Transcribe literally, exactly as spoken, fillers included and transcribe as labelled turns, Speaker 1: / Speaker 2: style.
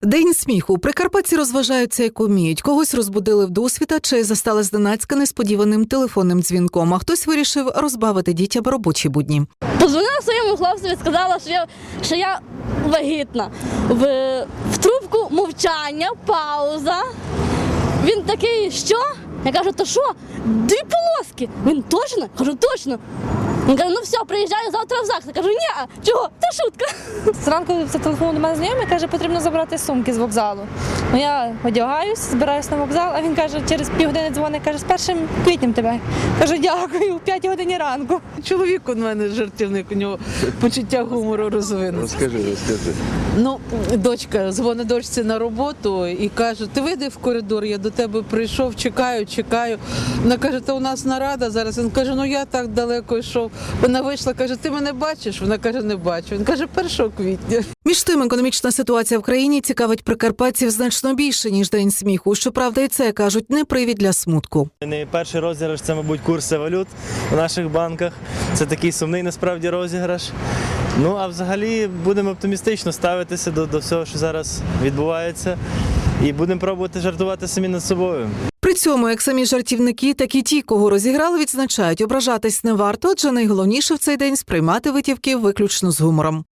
Speaker 1: День сміху. Прикарпатці розважаються як уміють. Когось розбудили вдосвіта чи застали зненацька несподіваним телефонним дзвінком, а хтось вирішив розбавити дітям робочі будні.
Speaker 2: Позвонила своєму хлопцеві, сказала, що я, що я вагітна. В, в трубку мовчання, пауза. Він такий, що? Я кажу, то що? Дві полоски. Він точно? Кажу, точно. Він каже, ну все, приїжджаю завтра в ЗАГС. Я кажу, ні, чого? Це шутка.
Speaker 3: Зранку зателефонував до мене знайомий, каже, потрібно забрати сумки з вокзалу. Ну я одягаюсь, збираюсь на вокзал, а він каже, через півгодини дзвонить, каже, з першим квітнем тебе. Кажу, дякую, в п'ятій годині ранку.
Speaker 4: Чоловік у мене жартівник, у нього почуття гумору розвинеться.
Speaker 5: Розкажи, розкажи.
Speaker 4: Ну, дочка дзвонить дочці на роботу і каже, ти вийди в коридор, я до тебе прийшов, чекаю, чекаю. Вона каже, та у нас нарада зараз. Він каже, ну я так далеко йшов. Вона вийшла, каже, ти мене бачиш? Вона каже, не бачу. Він каже, першого квітня.
Speaker 1: Між тим, економічна ситуація в країні цікавить прикарпатців значно більше, ніж День сміху. Щоправда, і це, кажуть, не привід для смутку.
Speaker 6: Не перший розіграш – це, мабуть, курси валют у наших банках. Це такий сумний, насправді, розіграш. Ну, а взагалі будемо оптимістично ставитися до, до всього, що зараз відбувається. І будемо пробувати жартувати самі над собою.
Speaker 1: При цьому, як самі жартівники, так і ті, кого розіграли, відзначають, ображатись не варто, адже найголовніше в цей день сприймати витівки виключно з гумором.